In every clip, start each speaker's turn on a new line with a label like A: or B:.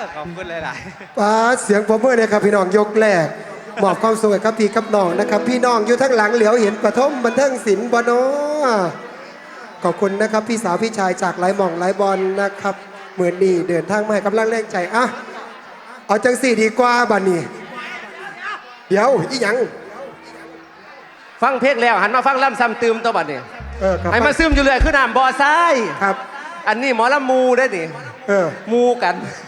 A: ขอบคุณหลาย
B: ป้าเสียงปรบมือเลยครับพี่น้องยกแรกมอบความสุขให้ครับพี่กับน้องนะครับพี่น้องอยู่ทั้งหลังเหลียวเห็นปฐมบันเทิงศิลป์บนอขอบคุณนะครับพี่สาวพี่ชายจากหลายหม่องหลายบอลนะครับเหมือนนี่เดินทางมาให้กำลังแรงใจอ่ะเอาจังสี่ดีกว่าบัดนี้เดี๋ยวอีหยัง
C: ฟังเพลงแล้วหันมาฟังล่ำซ้ำตืมตัวบัดเนี่ย
B: ครับ
C: ไอ้มาซึมอยู่เลยคือน้ำบ่อทราย
B: ครับ
C: อันนี้หมอลำมูได้นี่มูกัน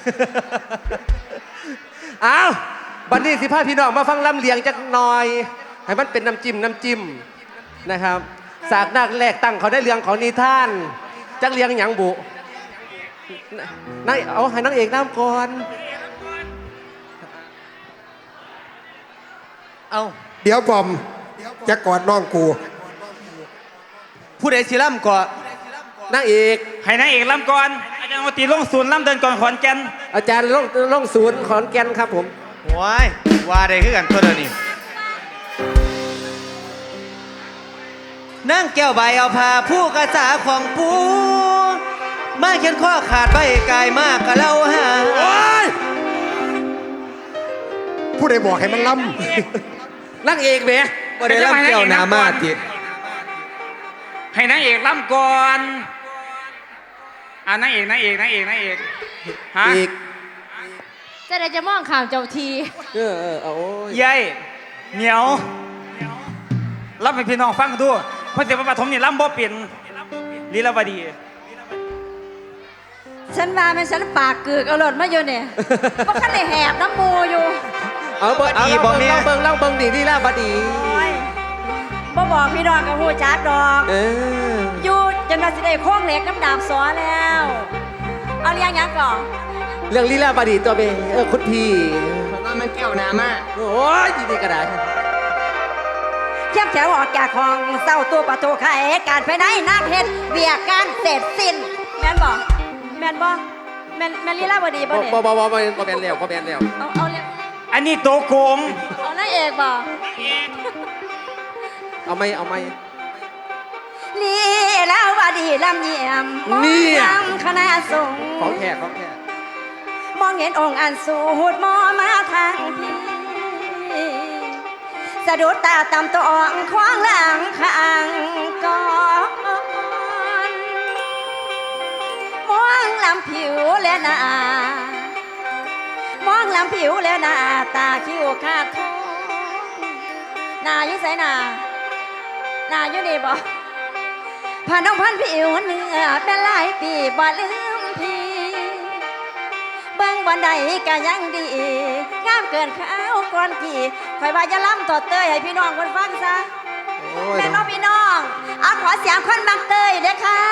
C: อ้าวบัดนี้สิพาพี่น้องมาฟังลำเลียงจักหน่อยให้มันเป็นน้ำจิ้มนะครับสากนักแรกตั้งเขาได้เลียงของนิทานจักเลียงหยังบุนั่งเอาให้นางเอกน้ำก่อนเอา
B: เดี๋ยวบอมจะกอดน้องกู
A: ผู้ใดสิล่ำก่อน
C: นางเอก
D: ให้นางเอกลำก่อนอาจารย์มาตีลงศูนย์ลำเดินก่อนขอนแก่น
C: อาจารย์ลงศูนย์ขอนแก่นครับผม
A: ว้ายว่าได้คือกันตัวเดียวนี้นั่งแก้วใบเอาผ้าผู้กระจาของปูมาเขียนข้อขาดใบกายมากกะเล่าหา
B: ผู้ใดบอกให้มันล้
C: นางเอกเบะ
A: บ่ได้ล่ำแก้วนามาติ
D: ให้นางเอกลำก่อนนางเอกฮะ
C: อีก
E: จะได้จะมองข่าวเจ้าที
C: โอ้ย
D: ยัยเหนียวรับให้พี่น้องฟังดูเพราะเดี๋ยวปฐมนี่ลำบ่เป็นลีลาวดี
E: ฉันว่ามันฉันปากกึกเอาหลดมาอยู่เนี่ยเพราะขันเลยแหบน้ำมูอยู่
C: เอาเบิ่งดีที่ล่าบดี
E: โอ้ยบ่บอกพี่น้องกับผู้จักดอกอยู่จนว่าสิได้โค้งเหล็กน้ำดาบสอแล้ว เอาเรียงยังก่อน
C: เรื่องลีลาบดีตัวเบคุณพี่
A: ว่ามันแก้วนามา
C: โอ้ยดีกระดาษ
E: เทียบแถวออกจากห้องเศร้าตัวประตูไขการภายในนักเฮ็ดเบียกการเสร็จสิ้นแม่นบ่แม่นลีลาบดีบ่เนี่ย
C: บ่แมนแล้ว
E: เอาเรียง
D: อันนี้โตโกง
E: เอานางเอกบ่
C: เอาไม่
E: ลีลาวดีลำเยี่ยมมองนำคณะสงฆ์
C: ของแขก
E: มองเห็นองค์อันสูดมอมาทางพี่สะดุดตาตำตัวอ่องควางหลังข้างก่อนมองลำผิวและหน้ามองลำผิวและหน้าตาคิ้วขาดทองหน้ายิ่งใสหน้าอยู่นี่บ่ผ่านน้องพันผิวเนื้อเป็นหลายปีบ่ลืมพี่เบิ่งบ่ได้ก็ยังดีงามเกินข้าวก่อนกี่คอยว่าจะล้ำต่อเตยให้พี่น้องคนฟังซะแม่น้องพี่น้องเอาขอเสียงคนบังเตยเด้อค่ะ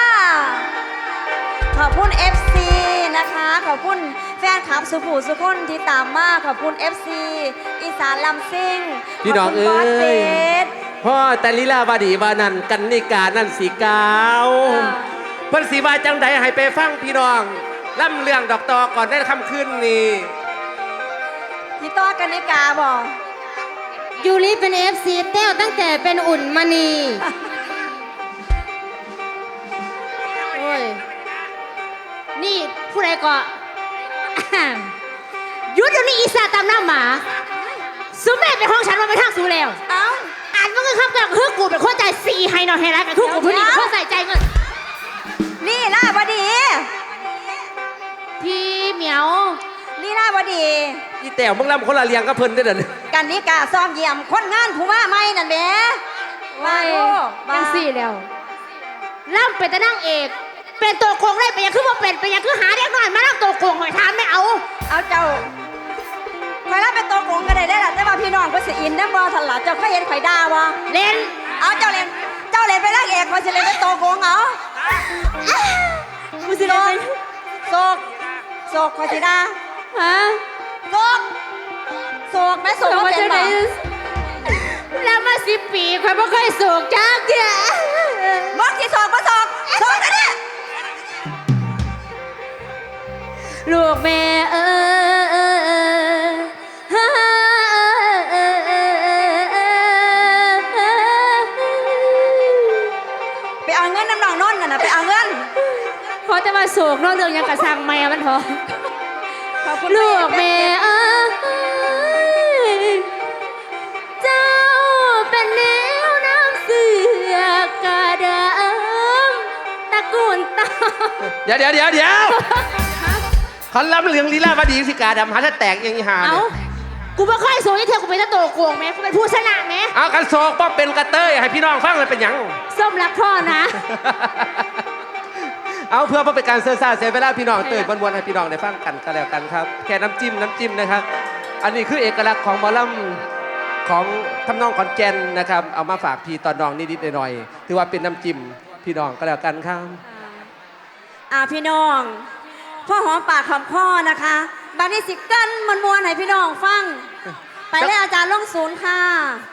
E: ขอบคุณ FC นะคะขอบคุณแฟนคลับสุภูสุคนที่ตามมาขอบคุณ FC อีสานลำซิ่ง
C: พี่น้องเอ้ยพ่อแต่ลีลาบดีบานั่นกันนิกานั่นสีกาวเพิ่นสีบาจังใดให้ไปฟังพี่น้องล่ำเรื่องดอกตอก่อนได้คำขึ้นนี่
E: พี่ต้อกันนิกาบอก
F: ยูริเป็น FC เต้วตั้งแต่เป็นอุ่นมณีโอ้ยนี่ผู้ใดก็ ยุดเดี๋ยวนี้อีสาตามหน้าหมาสุแม่เป็นห้องฉันมาไปทางสูแล้ว
E: เอ้า
F: อ่านว่าเงินคำกับคือกูเป็นคนใจาย4ให้หน่อยให้รักกับคือกูผู้นี้เป็นคนใส่ใจเงิน
E: นี่ล่าบดี
F: พี่เหมียว
E: นี่ล่าบดี
C: อีแต้วมึงล่ำคนละเลียงก็เพิ่นได้อเด้อ
E: กันนิกาซ้อมเยี่ยมคนงานผู้ว่าไม่นั่นแหละว่าโอ้
F: ยังสี่แล้วล่ำเป็นแต่นั่งเอกเป็นตัวโกงได้เป็นยังคือว่าเป็นยังคือหาเด็กหน่อยมาล่ำตัวโกงหอยทานไม่เอา
E: เอาเจ้าคอยรับเป็นตัวโกงก็ได้ล่ะแต่ว่าพี่น้องก็สิอินนะบ่ทันล่ะเจ้าเคยเห็นข่อยด่าบ่
F: เล่น
E: เอาเจ้าเล่นไปรักเอกข่อยสิเล่นเป็นตัวโกงเอากูสิเล่นโศกข่อยสิด่า
F: ฮะ
E: โศกแม่โศกว่าเป็นบ่
F: แล้วมา10 ปีใครไม่เคยสูกจักเดีย
E: บอกสิโศกกันเนี่ย
F: ลูกแม่
E: ไปเอาเงินน้ำหนองนนท์น่ะไปเอาเงิน
F: พอจะมาสูกนอกเรื่องยังกระสังแม่มันเถอะ
E: อบคุณ
F: ลูกแม่เอ้ยเจ้าเป็นแนวน้ำเสือกระเดิมตระกูลตา
C: เดี๋ยวเขาล้ำเรื่องลีลาวดีสิกาดำหาถ้าแตกยังอีหา
F: เอ้า
C: เนี่ย
F: กูไม่ค่อยสูงที่เธอกูเป็นตะโตโกงไหมกูเป็นผู้ชนะไหม
C: เอากันโศกป้อเป็นกระเตยให้พี่น้องฟังเลยเป็นหยัง
F: ส้มรักพ่อนะ
C: เอาเพื่อเป็นการเซอร์ซ่าเสียเวลาพี่น้องเตื่นวันๆให้พี่น้องได้ฟังกันก็แล้วกันครับ แค่น้ำจิ้มนะครับ อันนี้คือเอกลักษณ์ของหมอลำของทำนองขอนแก่นนะครับ เอามาฝากพี่ตอนน้องนิดๆหน่อยๆถือว่าเป็นน้ำจิ้มพี่น้องก็แล้วกันครับ
E: พี่น้องพ่อหอมปากหอมคอนะคะบัดนี้สิกันมวนๆให้พี่น้องฟัง ไปเลยอาจารย์ลงศูนย์ค่ะ